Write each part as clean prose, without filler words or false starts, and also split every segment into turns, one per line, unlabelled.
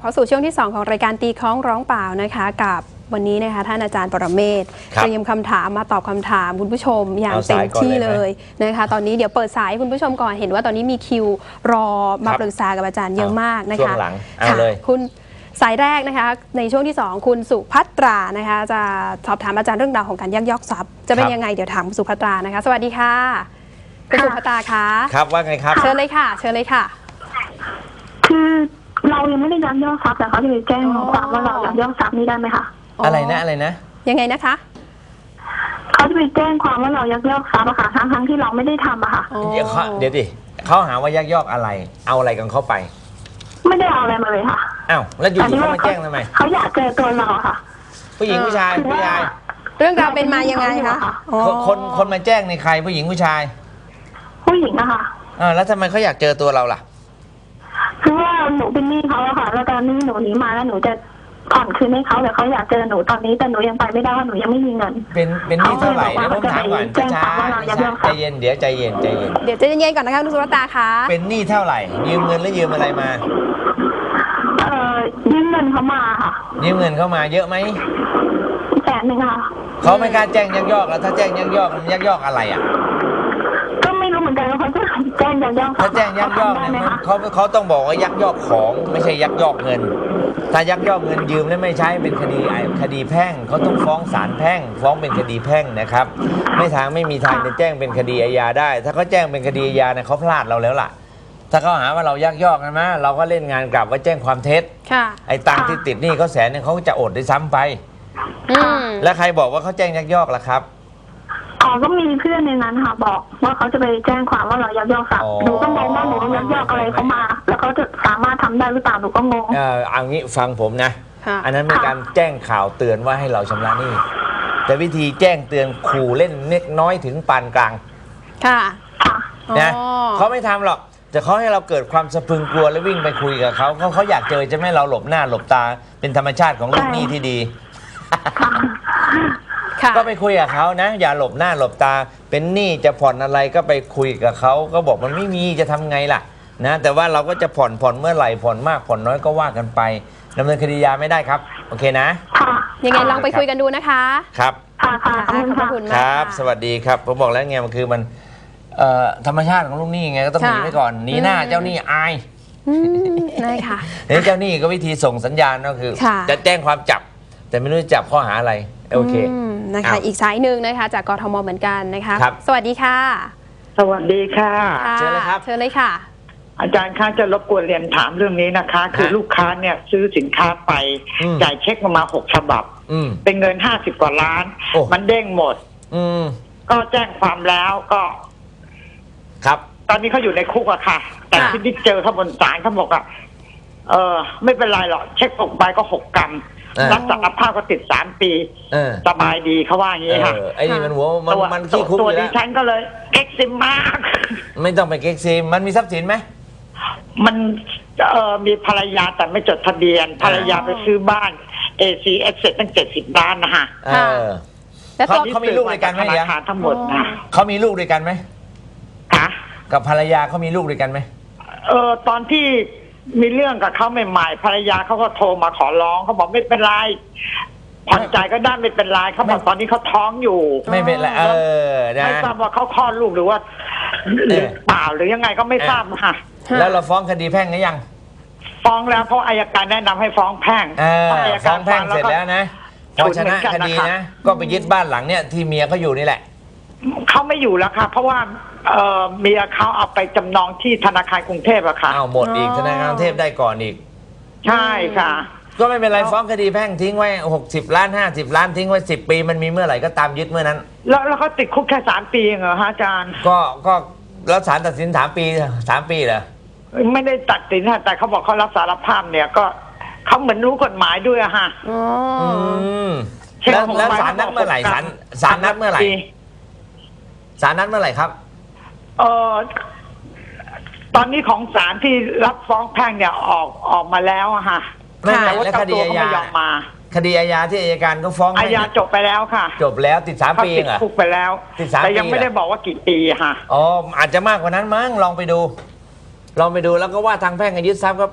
เข้าสู่ช่วงที่2ของรายการตีคล้องร้องเปล่านะคะกับวันนี้นะคะท่านอาจารย์ปรเมศเตรียมคำถามมาตอบคำถามคุณผู้ชมอย่างเต็มที่เลยนะคะตอนนี้เดี๋ยวเปิดสายคุณผู้ชมก่อนเห็นว่าตอนนี้มีคิวรอมาปรึกษากับอาจารย์เยอะมากนะคะ
ช่วงหลังเอาเลย
คุณสายแรกนะคะในช่วงที่2คุณสุภัตรานะคะจะสอบถามอาจารย์เรื่องราวของการยักยอกทรัพย์จะเป็นยังไงเดี๋ยวถามคุณสุภัตรานะคะสวัสดีค่ะคุณสุภัตราคะ
ครับว่าไงครับ
เชิญเลยค่ะเชิญเลยค่ะ
คือเรายังไม่ได้ยักยอกทรัพย์แต่เขาจะไปแจ้งความว่าเรายักยอกทรัพย์นี่ได้ไหมคะ
อะไรนะอะไรนะ
ยังไงนะคะ
เขาจะไปแจ้งความว่าเรายักยอกทรัพย์อะค่ะทั้งที่เราไม่ได้ทำอะค่ะ
เดี๋ยวดิเขาหาว่ายักยอกอะไรเอาอะไรกันเข้าไป
ไม่ได้เอาอะไรมาเลยค่ะ
อ้าวแล้วอยู่เขามาแจ้งทำไม
เขาอยากเจอตัวเราค่ะ
ผู้หญิงผู้ชายผู้ชาย
เรื่องราวเป็นมายังไงคะ
คนมาแจ้งในใครผู้หญิงผู้ชาย
ผู้หญิงอะค่ะ
แล้วทำไมเขาอยากเจอตัวเราล่ะ
คือว่าหนูเป็นหนี้เขาอะค่ะแล้วตอนนี้หนูหนีมาแล้วหนูจะผ่อนคืนให้เขาแต่เขาอยากเจอหนูตอนนี้แต่หนูยังไปไม่ได้หนูยังไม่มีเงิน
เป็นหนี้เท่าไหร่เดี๋ยวผมถามก่อนช้าใจเย็นเดี๋ยวใจเย็น
เดี๋ยวใจเย็นก่อนนะคะคุณสุรตาคะ
เป็นหนี้เท่าไหร่ยืมเงินหรือยืมอะไรมา
ยืมเงินเขามาค่ะ
ยืมเงินเขามาเยอะไหม
100,000ค่ะ
เขาไม่กล้าแจ้งยักยอกแล้วถ้าแจ้งยักยอกมันยักยอกอะไรอ่ะ
ก็ไม่รู้เหมือนกันว่าเขาจะแจ้งยักยอก
ถ้าแจ้งยักยอกเนี่ยเขาต้องบอกว่ายักยอกของไม่ใช่ยักยอกเงินถ้ายักยอกเงินยืมแล้วไม่ใช้เป็นคดีแพ่งเขาต้องฟ้องศาลแพ่งฟ้องเป็นคดีแพ่งนะครับไม่มีทางจะแจ้งเป็นคดีอาญาได้ถ้าเขาแจ้งเป็นคดีอาญาเนี่ยเขาพลาดเราแล้วล่ะถ้าเขาหาว่าเรายักยอกนะมะเราก็เล่นงานกลับว่าแจ้งความเท็จไอ้ตังค์ที่ติดหนี้เขา100,000เนี่ยเขาจะอดได้ซ้ำไปแล้วใครบอกว่าเขาแจ้งยักยอกล่ะครับ
ก็มีเพื่อนในนั้นค่ะบอกว่าเขาจะไปแจ้งความว่าเรายักยอกทรัพย์หนูก็งงว่าหนูยักยอกอะไรเขามาแล้วเขาจะสามารถทำได้หรือเปล่าหนูก็งง
เอางี้ฟังผมนะอันนั้นเป็นการแจ้งข่าวเตือนว่าให้เราชำระหนี้แต่วิธีแจ้งเตือนขู่เล่นเล็กน้อยถึงปานกลาง
ค่ะ
นะเขาไม่ทำหรอกแต่เขาให้เราเกิดความสะพรึงกลัวแล้ววิ่งไปคุยกับเขาอยากเจอจะไม่เราหลบหน้าหลบตาเป็นธรรมชาติของลูกหนี้ที่ดีก็ไปคุยกับเขานะอย่าหลบหน้าหลบตาเป็นหนี้จะผ่อนอะไรก็ไปคุยกับเขาก็บอกมันไม่มีจะทำไงล่ะนะแต่ว่าเราก็จะผ่อนเมื่อไหร่ผ่อนมากผ่อนน้อยก็ว่ากันไปดำเนินคดียาไม่ได้ครับโอเคนะ
ยังไงลองไปคุยกันดูนะคะ
ครับ
ขอบคุณมาก
ครับสวัสดีครับผมบอกแล้วไงมันคือมันธรรมชาติของลูกหนี้ไงก็ต้องหนีไปก่อนหนีหน้าเจ้าหนี้อาย
ได้ค่ะ
เจ้าหนี้ก็วิธีส่งสัญญาณก็คือจะแจ้งความจับแต่ไม่รู้จะจับข้อหาอะไรโอเค
นะคะอีกสายหนึ่งนะคะจากกทมเหมือนกันนะคะสวัสดีค่ะ
สวัสดีค่ะ
เชิญเลยครับ
เชิญเลยค่ะ
อาจารย์คะจะรบกวนเรียนถามเรื่องนี้นะคะคือลูกค้าเนี่ยซื้อสินค้าไปจ่ายเช็คมา6 ฉบับเป็นเงิน50 กว่าล้านมันเด้งหมดก็แจ้งความแล้วก็
ครับ
ตอนนี้เขาอยู่ในคุกอะค่ะแต่ที่ได้เจอเขาบนศาลเขาบอกอะไม่เป็นไรหรอกเช็คตกไปก็6 กรัมรับสารภาพก็ติด3 ปีสบายดีเขาว่าอย่างนี้ค่ะ
ไอ้นี่มันหัวมันขี้คุก
ตัวดิฉันก็เลยเอ็กซิมมาก
ไม่ต้องไปเอ็กซิมมันมีทรัพย์สินไหม
มันมีภรรยาแต่ไม่จดทะเบียนภรรยาไปซื้อบ้าน ACS เสร็จตั้ง70 ล้านนะฮะ
แล้ว
เขามีลูกด้วยกันไหม
ธนาคารทั้งหมดนะ
เขามีลูกด้วยกันไหม
คะ
กับภรรยาเขามีลูกด้วยกันไหม
ตอนที่มีเรื่องกับเขาใหม่ๆภรรยาเขาก็โทรมาขอร้องเขาบอกไม่เป็นไรผ่อนจ่ายก็ได้ไม่เป็นไรเขาบอกตอนนี้เขาท้องอยู่
ไม่เป็นไร
ไม่ทราบว่าเขาคลอดลูกหรือว่าหรือเปล่าหรือยังไงก็ไม่ทราบค่ะ
แล้วเราฟ้องคดีแพ่งหรือยัง
ฟ้องแล้วเพราะอัยการแนะนำให้ฟ้องแพ่ง
ฟ้องแพ่งเสร็จแล้วนะพอชนะคดีนะก็ไปยึดบ้านหลังเนี้ยที่เมียเขาอยู่นี่แหละ
เขาไม่อยู่แล้วค่ะเพราะว่าเมียเขาเอาไปจำนองที่ธนาคารกรุงเทพอะค่ะ
หมดอีกธนาคารกรุงเทพได้ก่อนอีก
ใช่ค่ะ
ก็ไม่เป็นไรฟ้องคดีแพ่งทิ้งไว้60 ล้าน50 ล้านทิ้งไว้10 ปีมันมีเมื่อไหร่ก็ตามยึดเมื่อนั้น
แล้วเขาติดคุกแค่3 ปีเหรอฮะอาจารย์
ก็แล้วศาลตัดสิน3 ปีเหรอ
ไม่ได้ตัดสินแต่เขาบอกเขารับสารภาพเนี่ยก็เขาเหมือนรู้กฎหมายด้วยอะฮะ
แล้วศาลนัดเมื่อไหร่ศาลนัดเมื่อไหร่ศาลนัดเมื่อไหร่ครับ
ตอนนี้ของศาลที่รับฟ้องแพ่งเนี่ยออกมาแล้วอะค่ะ
แต่ว่าคดีอาญาคดีอาญาที่อัยการก็ฟ้อง
อาญาจบไปแล้วค่ะ
จบแล้วติด3 ปีเหรอ
ติดคุกไปแล้วแต่ยังไม่ได้บอกว่ากี่ปีค่ะ
อาจจะมากกว่านั้นมั้งลองไปดูแล้วก็ว่าทางแพ่งยึดทรัพย์เข้าไป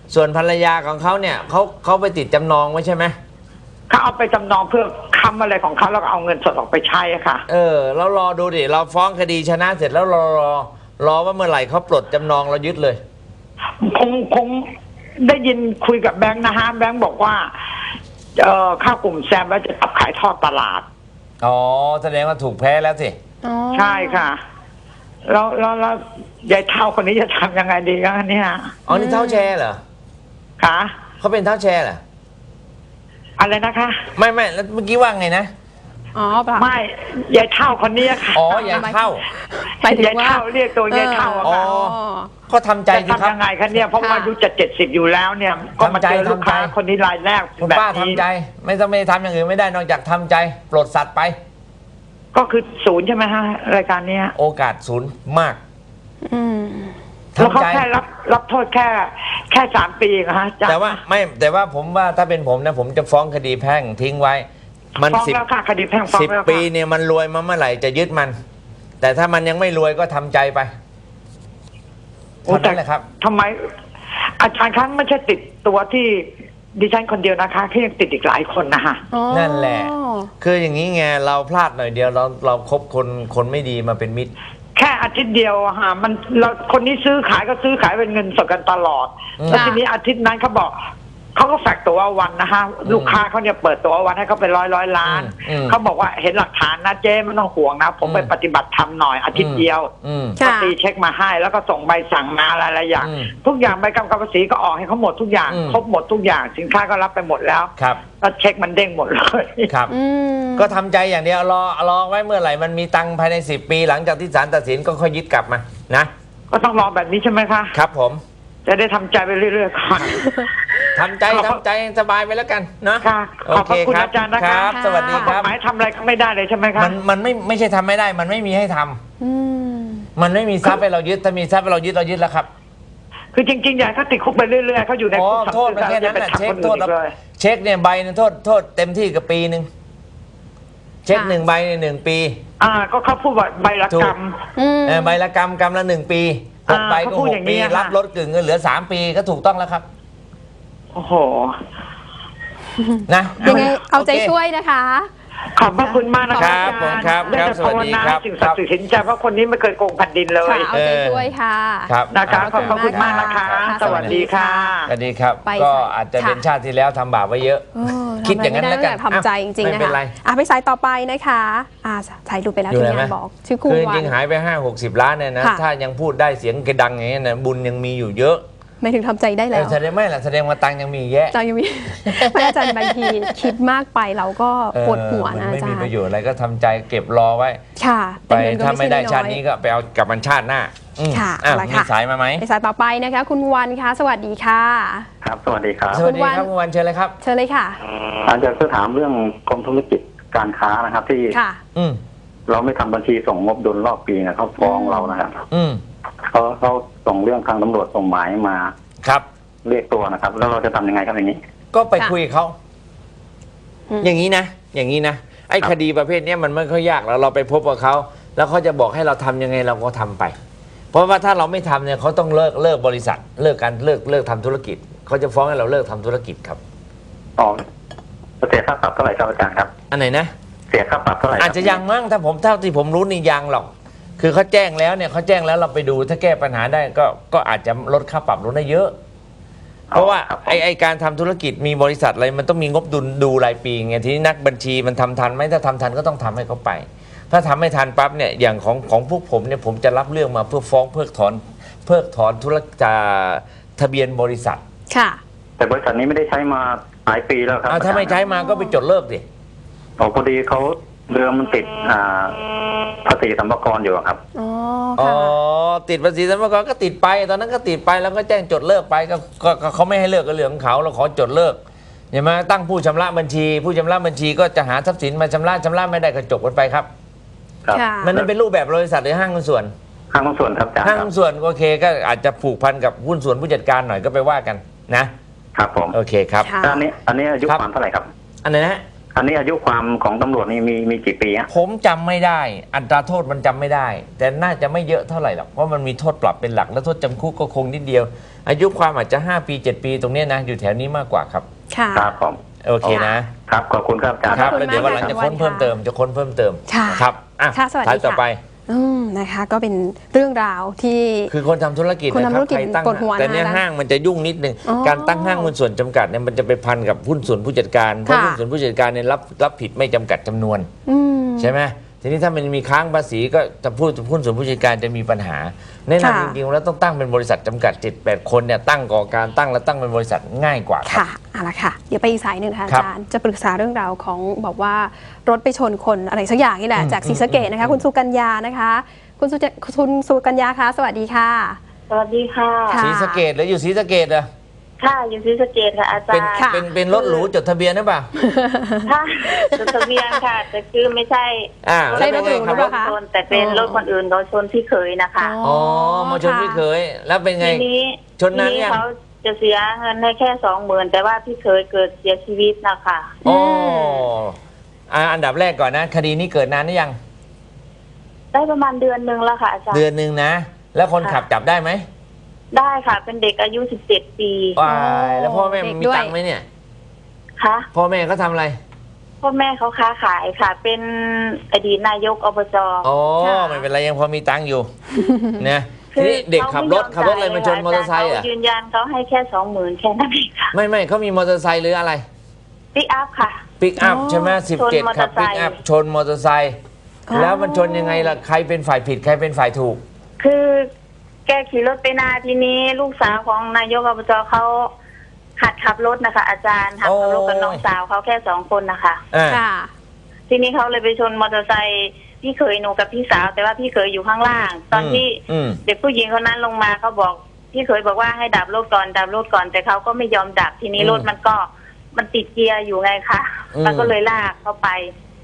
ส่วนภรรยาของเขาเนี่ยเขาไปติดจำนองไว้ใช่ไหม
เขาเอาไปจำนองเพื่อค้ำอะไรของเขาแล้วก็เอาเงินสดออกไปใช้อะค่ะ
แล้วรอดูดิเราฟ้องคดีชนะเสร็จแล้วรอว่าเมื่อไหร่เขาปลดจำนองเรายึดเลย
คงได้ยินคุยกับแบงค์นะฮะแบงค์บอกว่าเข้ากลุ่มแซมแล้วจะตับขายทอดตลาด
อ๋อแสดงว่าถูกแพ้แล้วสิ
ใช่ค่ะแล้วยายเท่าคนนี้จะทำยังไงดีกันเนี่ย
อ๋อนี่เท่าแชร์เหรอ
คะ
เขาเป็นเท่าแชร์เหรอ
อะไรนะคะ
ไม่แล้วเมื่อกี้ว่าไงนะ
อ๋อเปล่า
ไม่ยายเท่าคนนี้ค่ะ
อ๋อยายเท่
ายเท่าเรียกตัวยายเท่า
อ๋อก็ทำใจสิครับ
ยังไงคะเนี่ยเพราะว่าอายุจะ70อยู่แล้วเนี่ยก็มาเจอลูกค้าคนนี้รายแรก
คุณป้าทำใจไม่ต้องไม่ทำอย่างอื่นไม่ได้นอกจากทำใจปลดสัตว์ไป
ก็คือ0ใช่ไหมฮะรายการนี้
โอกาส0มาก
แล้วเขาแค่รับโทษแค่3 ปีนะฮะ
แต่ว่าผมว่าถ้าเป็นผมนะผมจะฟ้องคดีแพ่งทิ้งไว้มัน
คดีแพ่งฟ้องแล้ว
10 ปีเนี่ยมันรวยมาเมื่อไหร่จะยึดมันแต่ถ้ามันยังไม่รวยก็ทำใจไปเท่านั้นแหละครับ
ทำไมอาจารย์ครั้งไม่ใช่ติดตัวที่ดิฉันคนเดียวนะคะที่ยังติดอีกหลายคนนะคะ
นั่นแหละคืออย่างนี้ไงเราพลาดหน่อยเดียวเราคบคนไม่ดีมาเป็นมิตร
แค่อาทิตย์เดียวมันเราคนนี้ซื้อขายก็ซื้อขายเป็นเงินสดกันตลอดแล้วทีนี้อาทิตย์นั้นเขาบอกเขาก็แฝกตัววันนะคะลูกค้าเขาเนี่ยเปิดตัววันให้เขาเป็นร้อยล้านเขาบอกว่าเห็นหลักฐานนะเจ๊ไม่ต้องห่วงนะผมไปปฏิบัติธรรมหน่อยอาทิตย์เดียวก็ตีเช็คมาให้แล้วก็ส่งใบสั่งมาอะไรอย่างทุกอย่างใบกำกับภาษีก็ออกให้เขาหมดทุกอย่างครบหมดทุกอย่างสินค้าก็รับไปหมดแล้วแล้วเช็คมันเด้งหมดเลย
ครับก็ทำใจอย่างเดียวรอไว้เมื่อไหร่มันมีตังค์ภายใน10 ปีหลังจากที่ศาลตัดสินก็ค่อยยึดกลับมานะ
ก็ต้องรอแบบนี้ใช่ไหมคะ
ครับผม
จะได้ทำใจไปเรื่อยๆค่ะ
ทำใจสบายไปแล้วกันนะ
ขอบคุณอาจารย์นะครับ
สวัสดีครับ
หมายทำอะไรก็ไม่ได้เลยใช่ไหมครับ
มันไม่ใช่ทำไม่ได้มันไม่มีให้ทำมันไม่มีทรัพย์ให้เรายึดถ้ามีทรัพย์ให้เรายึดแล้วครับ
คือจริงๆอย่างเขาติดคุกไปเรื่อยๆเขาอยู่ในคุก
โทษแค่นั้นแหละเช็คโทษเช็คเนี่ยใบนึงโทษเต็มที่กับปีนึงเช็ค1 ใบใน1 ปี
ก็เขาพูดว่าใบละกรรม
ใบละกรรมละ1 ปี6 ใบก็6 ปีรับลดกึ่งเงินเหลือ3 ปีก็ถูกต้องแล้วครับ
โอ้โห
นะ
ยังไงเอาใจช่วยนะคะ
ขอบพระคุณมากนะครับ
ผมครับสวัสดีครับ
สิ่งศักดิ์สิทธิ์สินใจเพราะคนนี้ไม่เคยโกงแผ่นดินเลย
เอาใจช่วยค่ะ
นะคะขอบพระคุณมากนะคะสวัสดีค่ะ
สวัสดีครับก็อาจจะเป็นชาติที่แล้วทำบาปไว้เยอะคิดอย่างนั้นแล้วกัน
ทำใจจริงๆนะคะไปสายต่อไปนะคะสายดูไปแล้วที่งานบอกชื่อคุณ
วันจริงหายไป50-60 ล้านเนี่ยนะถ้ายังพูดได้เสียงกระดังอย่างนี้นะบุญยังมีอยู่เยอะ
ไม่ถึงทำใจได้แล้ว
แสดงไม่ล่ะแสดงว่าตังยังมีแยะ
ตังยังมีไม่อาจารย์บางทีคิดมากไปเราก็ปวดหัวนะอาจารย์
ไม่มีประโยชน์อะไรก็ทำใจเก็บรอไว้
ค่ะ
ไปถ้าไม่ได้ชาตินี้ก็ไปเอากับมันชาติหน้า
ค่ะ
มีสายมาไหม
สายต่อไปนะคะคุณวันคะสวัสดีค่ะ
ครับสวัสดีครับ
สวัสดีครับคุณวันเชิญเลยครับ
เชิญเลยค่ะ
อาจารย์จะถามเรื่องกรมธุรกิจการค้านะครับที่เราไม่ทำบัญชีส่งงบดุลรอบปีนะเขาฟ้องเรานะครับเขาส่งเรื่องทางตำรวจส่งหมายมา
ครับ
เรียกตัวนะครับแล้วเราจะทำยังไงครับอย่างนี้
ก็ไปคุยเขาอย่างนี้นะไอ้คดีประเภทนี้มันไม่ค่อยยากแล้วเราไปพบกับเขาแล้วเขาจะบอกให้เราทำยังไงเราก็ทำไปเพราะว่าถ้าเราไม่ทำเนี่ยเขาต้องเลิกบริษัทเลิกทำธุรกิจเขาจะฟ้องให้เราเลิกทำธุรกิจครับ
เสียค่าปรับเท่าไหร่ครับอาจารย์ครับ
อันไหนนะ
เสียค่าปรับเท่าไหร่
อาจจะยังมั้งถ้าเท่าที่ผมรู้นี่ยังหรอกคือเขาแจ้งแล้วเราไปดูถ้าแก้ปัญหาได้ก็อาจจะลดค่าปรับลงได้เยอะเพราะว่าไอการทำธุรกิจมีบริษัทอะไรมันต้องมีงบดุลดูรายปีไงทีนี้นักบัญชีมันทำทันไหมถ้าทำทันก็ต้องทำให้เขาไปถ้าทำไม่ทันปั๊บเนี่ยอย่างของพวกผมเนี่ยผมจะรับเรื่องมาเพื่อฟ้องเพิกถอนธุรกิจทะเบียนบริษัท
ค่ะ
แต่บริษัทนี้ไม่ได้ใช้มาหลายปีแล้วครับ
ถ้าไม่ใช้มาก็ไปจดเลิกดิ
พอดีเขาเรือมันติดภาษีสรรพากรอยู่ครับ
ติดภาษีสรรพากรก็ติดไปตอนนั้นก็ติดไปแล้วก็แจ้งจดเลิกไปก็เขาไม่ให้เลิกก็เรื่องของเขาเราขอจดเลิกอย่ามาตั้งผู้ชำระบัญชีผู้ชำระบัญชีก็จะหาทรัพย์สินมาชำระไม่ได้ก็จบกันไปครับมันนั้นเป็นรูปแบบบริษัทหรือห้างหุ้นส่วน
ห้างหุ้นส่วนครับ
ห้างหุ้นส่วนโอเคก็อาจจะผูกพันกับหุ้นส่วนผู้จัดการหน่อยก็ไปว่ากันนะครับ
ผม
โอเคครับ
อันนี้อายุความเท่าไหร่ครับ
อันไหนนะ
อันนี้อายุความของตำรวจนี่มีกี่ปีฮะ
ผมจำไม่ได้อัตราโทษมันจำไม่ได้ แต่น่าจะไม่เยอะเท่าไหร่หรอกเพราะมันมีโทษปรับเป็นหลักแล้วโทษจำคุกก็คงนิดเดียวอายุความอาจจะ5 ปี 7 ปีตรงนี้นะอยู่แถวนี้มากกว่าครับ
ค่ะ
ครับผม
โอเคนะครับ
ขอบคุณครับอาจารย์
ครับแล้วเดี๋ยววันหลังจะค้นเพิ่มเติมครับ
สวัสดี
ท้ายต่อไป
นะคะก็เป็นเรื่องราวที่
คือคนทำธุรกิจนะครับใครตั้งแต่เนี้ยห้างมันจะยุ่งนิดนึงการตั้งห้างหุ้นส่วนจำกัดเนี่ยมันจะไปพันกับหุ้นส่วนผู้จัดการเพราะหุ้นส่วนผู้จัดการเนี่ยรับผิดไม่จำกัดจำนวนใช่ไหมทีนี้ถ้ามันมีค้างภาษีก็จะหุ้นส่วนผู้จัดการจะมีปัญหาแนะนำจริงๆแล้วต้องตั้งเป็นบริษัทจำกัด 7-8 คนเนี่ยตั้งก่อการตั้งแล้วตั้งเป็นบริษัทง่ายกว่า
ค่ะเอาละค่ะเดี๋ยวไปอีกสายหนึ่งค่ะอาจารย์จะปรึกษาเรื่องราวของบอกว่ารถไปชนคนอะไรสักอย่างนี่แหละจากศรีสะเกษนะคะคุณสุกัญญานะคะคุณสุกัญญาคะสวัสดีค่ะ
สวัสดีค่ะ
ศรีสะเกษหรืออยู่ศรีสะเกษอะ
ค่ะอยู่ศรีสะเกษค่ะอาจารย์
เป็นรถหรูจดทะเบียนหรือเปล่า
ค่ะจดทะเบียนค่ะแต่คือไม่ใช่
ใช่รถหรูหรือเปล่าคะ
แต่เป็นรถคนอื่นเขาชนพี่เขยนะคะ
อ๋อมาชนพี่เขยแล้วเป็นไงชนนั้น
เนี่ยเขาจะเสียเงินให้แค่20,000แต่ว่าพี่เขยเกิดเสียชีวิตนะคะ
อ๋ออันดับแรกก่อนนะคดีนี้เกิดนานหรือยัง
ได้ประมาณเดือนนึงแล้วค่ะอาจารย์
เดือนนึงนะแล้วคนขับจับได้ไหม
ได้ค่ะเป็นเด็กอายุ17 ปี
แล้วพ่อแม่มีตังค์ไหมเนี่ย
คะ
พ่อแม่เขาทำอะไร
พ่อแม่เขาค้าขายค่ะเป็นอดีตนายกอบจ.
อ๋อไม่เป็นไรยังพอมีตังค์อยู่นะทีนี้เด็กขับรถอะไรมาชนมอเตอร์ไซค์อ่ะ
ยืนยันเขาให้แค่20,000แค่นั้นเองค่ะ
ไม่เขามีมอเตอร์ไซค์หรืออะไร
ปิกอัพค่ะ
ปิกอัพใช่ไหม17ขับปิกอัพชนมอเตอร์ไซค์แล้วมันชนยังไงล่ะใครเป็นฝ่ายผิดใครเป็นฝ่ายถูก
คือแกขี่รถไปนาทีนี้ลูกสาวของนายกอบจ.เขาหัดขับรถนะคะอาจารย์หัดขับรถกับน้องสาวเขาแค่2 คนนะคะ
ค่ะ
ทีนี้เขาเลยไปชนมอเตอร์ไซค์พี่เขยหนูกับพี่สาวแต่ว่าพี่เขยอยู่ข้างล่างตอนที่เด็กผู้หญิงคนนั้นลงมาเขาบอกพี่เขยบอกว่าให้ดับรถก่อนแต่เขาก็ไม่ยอมดับทีนี้รถมันติดเกียร์อยู่ไงคะมันก็เลยลากเข้าไป